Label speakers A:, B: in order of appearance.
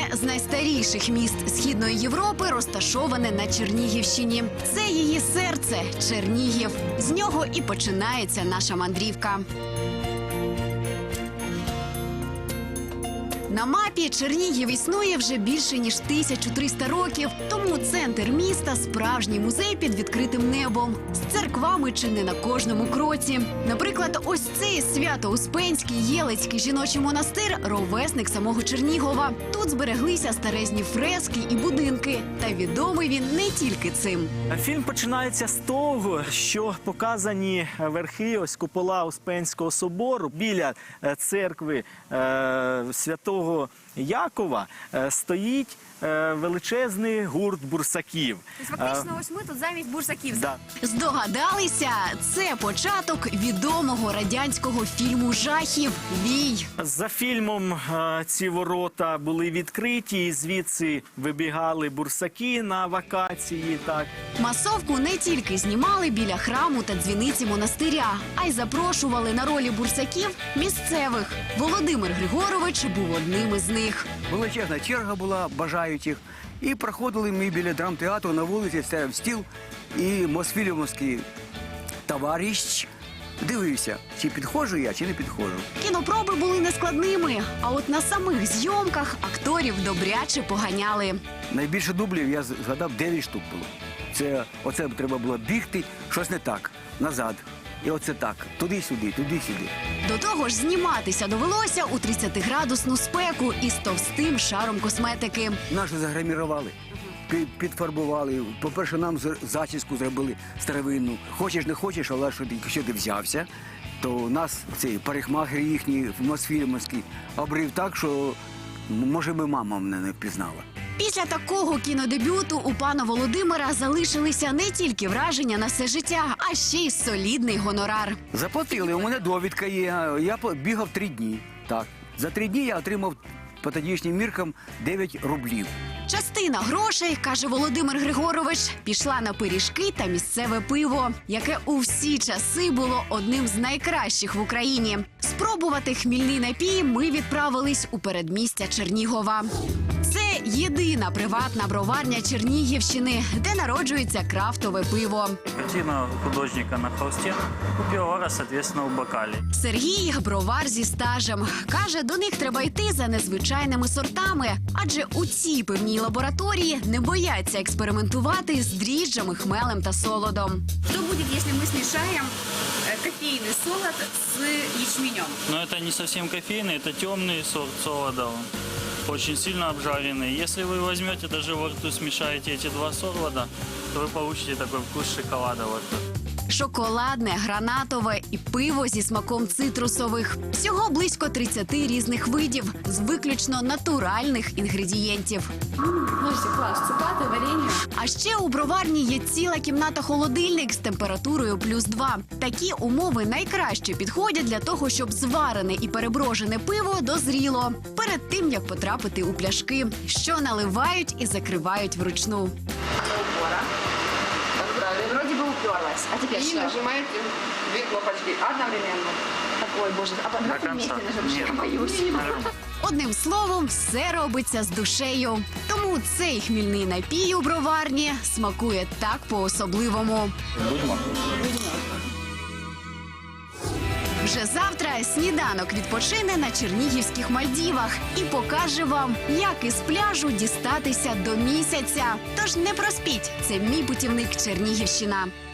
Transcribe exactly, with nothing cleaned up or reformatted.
A: з найстаріших міст Східної Європи розташоване на Чернігівщині. Це її серце – Чернігів. З нього і починається наша мандрівка. На мапі Чернігів існує вже більше ніж тисячу триста років, тому центр міста – справжній музей під відкритим небом, з церквами чи не на кожному кроці. Наприклад, ось цей Свято-Успенський Єлицький жіночий монастир – ровесник самого Чернігова. Тут збереглися старезні фрески і будинки, та відомий він не тільки цим.
B: Фільм починається з того, що показані верхи, ось купола Успенського собору. Біля церкви е, Святого Якова е, стоїть е, величезний гурт бурсаків.
C: Тобто, фактично, ось ми тут замість бурсаків.
B: Да.
A: Здогадалися? Це початок відомого радянського фільму жахів «Вій».
B: За фільмом е, ці ворота були відкриті, і звідси вибігали бурсаки на вакації. Так.
A: Масовку не тільки знімали біля храму та дзвіниці монастиря, а й запрошували на ролі бурсаків місцевих. Володимир Григорович був одним із них.
D: Величезна черга була бажаючих. І проходили ми біля драмтеатру, на вулиці стояв стіл, і мосфільмовський товариш дивився, чи підходжу я, чи не підходжу.
A: Кінопроби були нескладними, а от на самих зйомках акторів добряче поганяли.
D: Найбільше дублів, я згадав, дев'ять штук було. Це, оце треба було бігти, щось не так, назад. І оце так, туди-сюди, туди-сюди.
A: До того ж, зніматися довелося у тридцятиградусну спеку із товстим шаром косметики.
D: Нас же загримірували, пі- підфарбували. По-перше, нам з- зачіску зробили старовинну. Хочеш, не хочеш, але що ти, якщо ти взявся, то нас цей парикмахер їхній, мосфільмовський, обрив так, що, м, може, би мама мене не впізнала.
A: Після такого кінодебюту у пана Володимира залишилися не тільки враження на все життя, а ще й солідний гонорар.
D: Заплатили, у мене довідка є. Я по- бігав три дні. Так. За три дні я отримав по тодішнім міркам дев'ять рублів.
A: Частина грошей, каже Володимир Григорович, пішла на пиріжки та місцеве пиво, яке у всі часи було одним з найкращих в Україні. Спробувати хмільний напій ми відправились у передмістя Чернігова. Це єдина приватна броварня Чернігівщини, де народжується крафтове пиво.
E: Картина художника на холсте, у пивовара, соответственно, у бокале.
A: Сергій – бровар зі стажем. Каже, до них треба йти за незвичайними сортами, адже у цій пивній лабораторії не бояться експериментувати з дріжджами, хмелем та солодом.
C: Что будет, если мы смешаем э, кофейный солод с ячменем?
E: Но это не совсем кофейный, это темный сорт солода. Очень сильно обжаренный. Если вы возьмете, даже во рту смешаете эти два солода, то вы получите такой вкус шоколада во рту.
A: Шоколадне, гранатове і пиво зі смаком цитрусових. Всього близько тридцяти різних видів з виключно натуральних інгредієнтів.
C: Слушайте, класс, цукаты, варенье.
A: А ще у броварні є ціла кімната-холодильник з температурою плюс два. Такі умови найкраще підходять для того, щоб зварене і переброжене пиво дозріло перед тим, як потрапити у пляшки, що наливають і закривають вручну.
C: Упора. Вроде бы уперлась. А теперь
F: И
C: что?
F: нажимаете две кнопочки одновременно.
C: Ой, боже, а
E: До
C: давайте
E: конца.
C: вместе нажмем.
E: Нет.
C: Я боюсь.
A: Одним словом, все робиться з душею. Тому цей хмільний напій у броварні смакує так по-особливому. Вже завтра сніданок відпочине на чернігівських Мальдівах і покаже вам, як із пляжу дістатися до місяця. Тож не проспіть, це мій путівник Чернігівщина.